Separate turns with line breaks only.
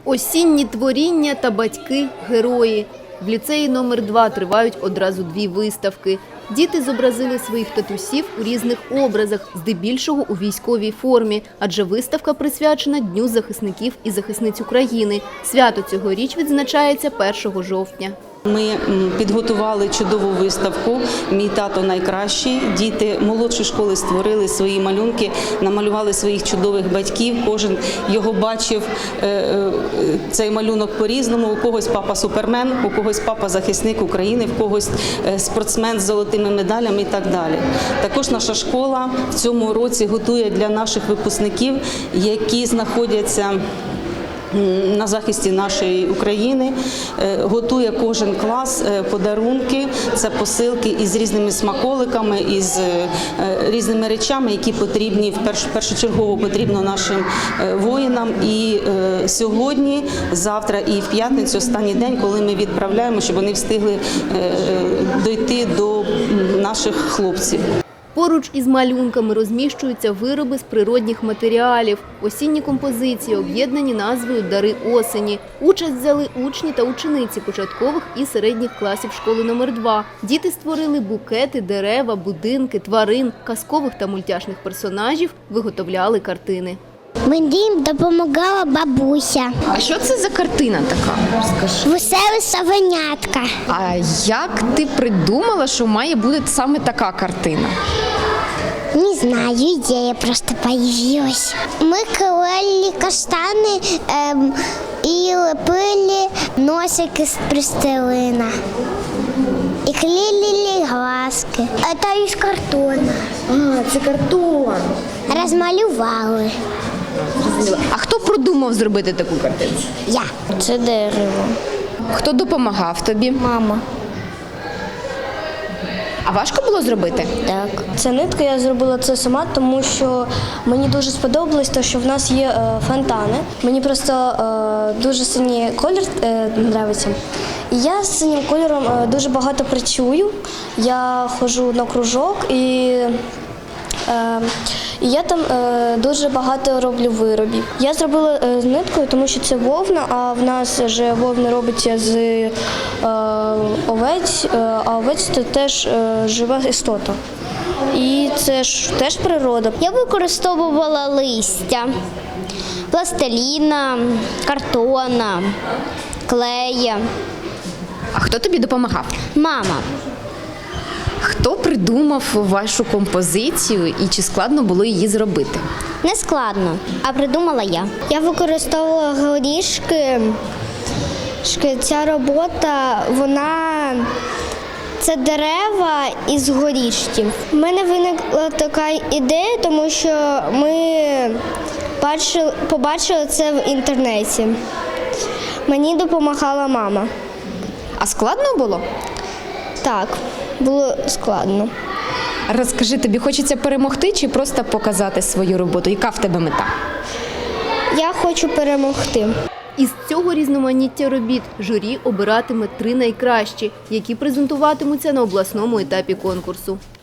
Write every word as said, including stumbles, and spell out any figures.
Осінні творіння та батьки-герої. В ліцеї номер два тривають одразу дві виставки. Діти зобразили своїх татусів у різних образах, здебільшого у військовій формі, адже виставка присвячена Дню захисників і захисниць України. Свято цьогоріч відзначається першого жовтня.
Ми підготували чудову виставку «Мій тато найкращий». Діти молодшої школи створили свої малюнки, намалювали своїх чудових батьків. Кожен його бачив, цей малюнок по-різному. У когось папа супермен, у когось папа захисник України, в когось спортсмен з золотими медалями і так далі. Також наша школа в цьому році готує для наших випускників, які знаходяться на захисті нашої України, готує кожен клас подарунки, це посилки із різними смаколиками, із різними речами, які потрібні, першочергово потрібно нашим воїнам. І сьогодні, завтра і в п'ятницю, останній день, коли ми відправляємо, щоб вони встигли дойти до наших хлопців.
Поруч із малюнками розміщуються вироби з природних матеріалів. Осінні композиції об'єднані назвою «Дари осені». Участь взяли учні та учениці початкових і середніх класів школи номер два. Діти створили букети, дерева, будинки, тварин, казкових та мультяшних персонажів, виготовляли картини.
Мені допомагала бабуся.
А що це за картина така? Скажи.
Веселе совенятка.
А як ти придумала, що має бути саме така картина?
Не знаю, ідея просто появилась. Ми клеїли каштани ем, і лепили носики з пластилина. І клеїли глазки. Це із картону.
А, це картон.
Розмалювали.
А хто продумав зробити таку картину?
Я. Це дерево.
Хто допомагав тобі?
Мама.
А важко було зробити?
Так. Це нитка, я зробила це сама, тому що мені дуже сподобалось те, що в нас є е, фонтани. Мені просто е, дуже синій колір е, подобається. І я з синім кольором е, дуже багато працюю. Я ходжу на кружок і, е, і я там е, дуже багато роблю виробів. Я зробила е, з ниткою, тому що це вовна, а в нас вже вовна робиться з е, овець, е, а овець – це теж е, жива істота. І це ж теж природа.
Я використовувала листя, пластиліна, картона, клея.
А хто тобі допомагав?
Мама.
Хто придумав вашу композицію і чи складно було її зробити?
Не складно, а придумала я. Я використовувала горішки. Ця робота, вона це дерева із горішків. У мене виникла така ідея, тому що ми бачили, побачили це в інтернеті. Мені допомагала мама.
А складно було?
Так, було складно.
Розкажи, тобі хочеться перемогти чи просто показати свою роботу? Яка в тебе мета?
Я хочу перемогти.
Із цього різноманіття робіт журі обиратиме три найкращі, які презентуватимуться на обласному етапі конкурсу.